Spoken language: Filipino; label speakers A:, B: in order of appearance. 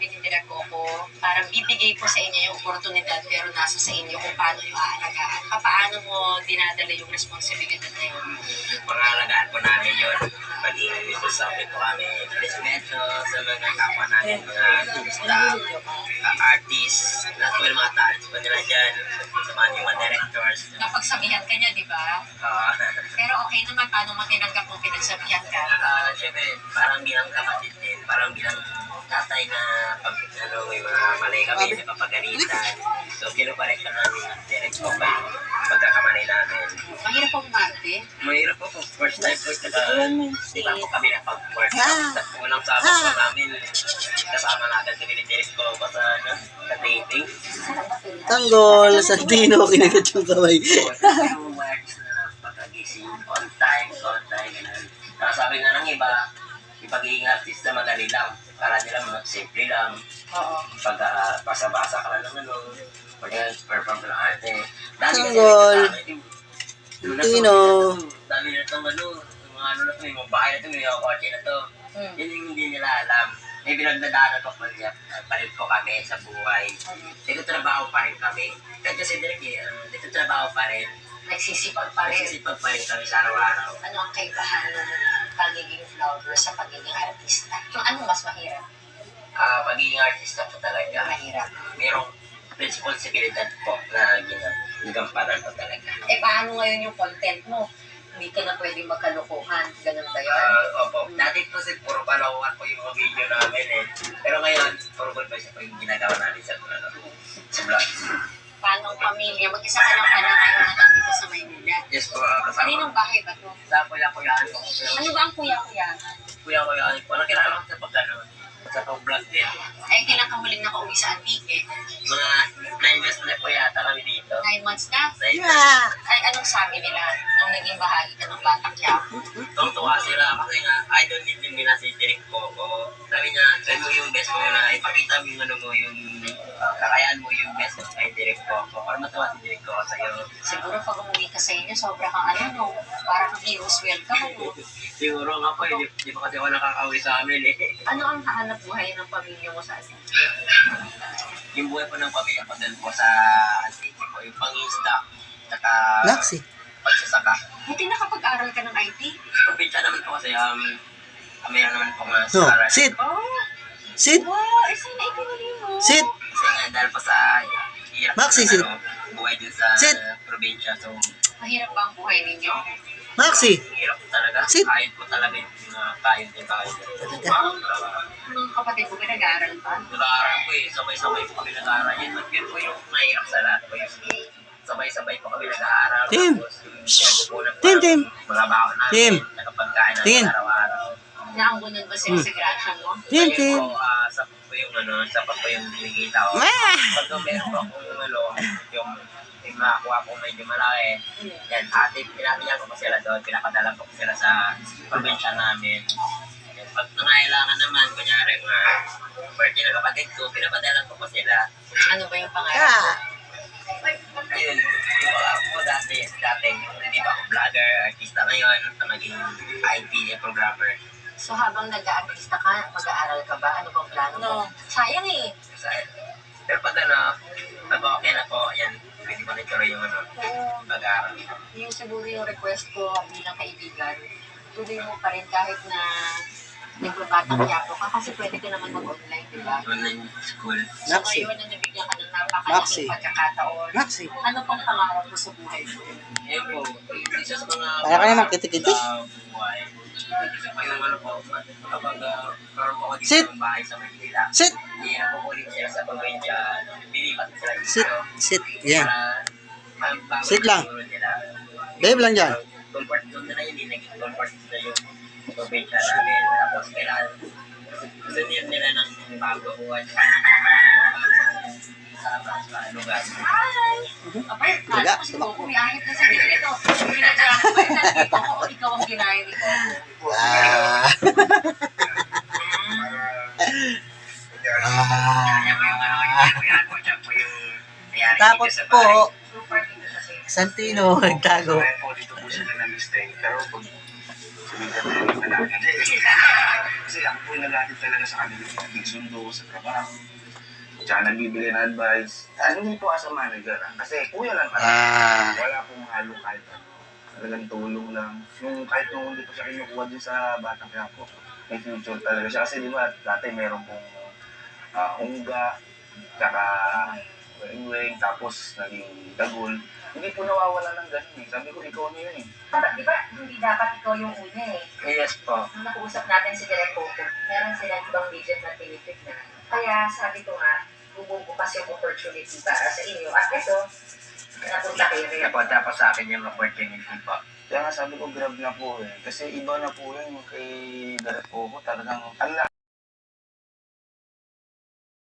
A: ni Direk Coco, parang bibigay ko sa inyo yung oportunidad pero nasa sa inyo kung paano yung aalagaan. Paano mo dinadala yung responsibilidad na yun?
B: Pangalagaan po namin yun. Paging sasabi po kami, respeto sa mga kapwa namin, mga staff, artists, lahat po yung mga talents po nila dyan, sa mga directors.
A: Napagsabihan ka niya, di ba? Pero okay naman, paano mo tinanggap kung pinagsabihan ka?
B: Siyempre, parang bilang kapatid din, parang bilang tatay na pag may mga mali kami, napapagalitan. So, kinuparek ka namin direct po ba yung pagkakamali namin.
A: Mahirap pong umarte.
B: Mahirap po po. First time po. Di ba po kami na pag-workshop. Unang sabot po namin, kasama natin si Direct po pa sa taping.
C: Tanggol, Santino, kinagat yung kamay.
B: Yung works na pagkagising, on time, ganun. Sabi nga ng iba, yung pagiging artista madali lang. Para nila mga simple lang.
A: Oo.
B: Pag basa-basa ka lang ng pag perform ng arte.
C: Tanggol. Santino.
B: Dami na itong mga na ito, may mga bahay na ito, may mga kotse na ito. Yun yung hindi nila alam. May pinagdadaanan ko palit ko kami sa buhay. Dito trabaho pa rin kami. Kasi direct dito trabaho pa rin.
A: Nagsisipag pa rin.
B: Nagsisipag pa rin kami sa araw-araw.
A: Ano ang kaibahan ng pagiging vlogger sa pagiging artista? Yung ano mas mahirap?
B: Pagiging artista po talaga.
A: Mahirap.
B: Merong responsibilidad po na ginampanan po talaga.
A: Paano ngayon yung content mo? Hindi ka na pwedeng magkalokohan. Ganun ba yun?
B: Opo. Dati po puro palawan po yung mga video namin eh. Pero ngayon, puro good pa siya po yung ginagawa namin sa vlog.
A: Paano ang pamilya? Mag-isa ka lang pala ngayon na lang dito sa Maynila.
B: Yes po, kasama.
A: Kaninong bahay ba to?
B: Sa kuya-kuyaan po.
A: Ano ba ang kuya-kuyahan?
B: Kuya-kuyaan po. Nakilala ko sa pagkano. Sa pag-vlog din.
A: Ay, kailan ka muling nakauwi sa Antique?
B: Mga 9 months na po yata kami dito.
A: 9 months na?
B: 9 months.
A: Ay, anong sabi nila nung naging bahagi ka ng Batang Quiapo?
B: Tuwa sila kasi nga, idol din nila si Direk Coco. Sabi niya, try mo yung best mo na ipakita mo yung ano mo, yung kakayaan mo yung best mo kay Direk Coco. Para matawa si Direk Coco sa'yo.
A: Siguro pag umuwi ka sa inyo, sobra kang ano, no? Parang hero's welcome, no?
B: Siguro nga po, hindi pa kasi ako nakakauwi sa amin eh.
A: Ano ang hanap buhay ng pamilya mo sa Antique?
B: Yung buhay po ng pamilya ko din po sa Antique po, yung pang-insta, saka
C: Naksi.
B: pagsasaka.
A: Buti nakapag-aral ka ng IT?
B: Probinsya naman po kasi mayroon naman po mga
C: No,
B: aral.
C: sit.
A: Oh!
C: Sit.
A: Wow! Sana itinuloy mo.
C: Sit.
B: Kasi nga dahil po sa hirap
C: Maxi,
B: ng,
C: sit.
B: buhay din sa
C: Sit.
B: probinsya. So,
A: Mahirap ba ang buhay ninyo?
C: Maxi.
B: hirap po talaga.
C: Sit.
B: Kahit po talaga yung kain din tayo.
A: Mga kapatid ko, pinag-aaral pa?
B: Nag-aaral po eh. Sabay-sabay po kami nag-aaral. Yun po yung mahirap sa lahat po yung sabay-sabay po kami nag-aaral.
C: Tim.
B: Tapos, pinagkukunan po
C: Tim,
B: ng
C: Tim.
B: mga baon namin.
C: Tim.
B: Nakapagkain
C: Tingin.
B: namin araw-araw.
A: Naambunan ba sila sa graduation mo?
C: Tim, Tim.
B: Ayun po, sapat po yung sapat po yung binigita ko. Pag meron po akong yung makakuha po medyo malaki, yan, pinatiyan ko pa sila doon, pinakadala ko sila sa probinsya namin. Yan, pag nangailangan naman, kunyari mga birthday na kapatid ko, pinapadala ko pa sila.
A: Ano ba yung pangarap mo?
B: Ayun, yung mga ako dati, hindi pa ako vlogger, artista ngayon, naging IT programmer.
A: So habang nag-aartista ka, mag-aaral ka ba? Ano bang plano mo? Sayang eh.
B: Pero pag pag okay na po, yan, pwede mo nagkaroon yung pag-aaral.
A: Yung siguro yung request ko bilang kaibigan, tuloy mo pa rin kahit na nagbabatang Quiapo ka kasi pwede ka naman mag-online, di ba?
B: Online school.
A: So
C: Maxi.
A: ngayon na nabigyan ka ng
C: Maxi.
A: napakalaking pagkakataon,
C: Maxi.
A: ano pang pangarap mo sa buhay mo?
B: Ayun po, isa sa mga
C: Para ka naman kitikiti.
B: buhay. Isa pa yung ano po, kapag karoon po ako dito
C: Sit.
B: ng bahay sa Manila,
C: Sit.
B: hindi na po ulit sila sa probinsya, lilipat sila dito.
C: Sit. Sit. Yan.
B: Para bago
C: Sit lang.
B: siguro nila.
C: Dave lang dyan.
B: Comfort zone na yung naging comfort zone na yung probinsya namin. Tapos kailangan gusto nila ng bago buwan sa lugar.
A: Abay,
C: Daga.
A: kala ko si Coco yahit na sa dito. Pinadala ko ba yun nandito ko o ikaw ang ginaya ni Coco?
C: Takot po.
A: Super dito kasi.
C: Santino, nagtago.
D: Dito po sila nag-stay. Pero pag sumigat na yung lalaki. Kasi kasi ako po yung nag-atid talaga sa kanila. Nagsundo ko sa trabaho. Tsaka nagbibigay ng advice. Hindi po as a manager. Kasi kuya lang talaga. Wala pong halo kahit ano. Talagang tulong lang. Kahit nung hindi po siya kinukuha din sa Batang Quiapo, may future talaga siya. Kasi di ba, dati meron pong ungga, tsaka weng-weng, tapos naging dagol. Hindi po nawawala ng ganun eh. Sabi ko, ikaw na yun eh.
A: Di ba, hindi dapat ikaw yung una eh.
B: Yes po.
A: Nung nakuusap natin si Direk Coco, meron silang ibang budget na tinitignan. Kaya sabi ko nga, bumubukas yung opportunity para sa inyo. At ito, napunta kayo rin.
B: Napunta po sa akin yung opportunity po.
D: Kaya nga sabi ko, grab na po eh. Kasi iba na po yun kay Direk Coco. Talagang,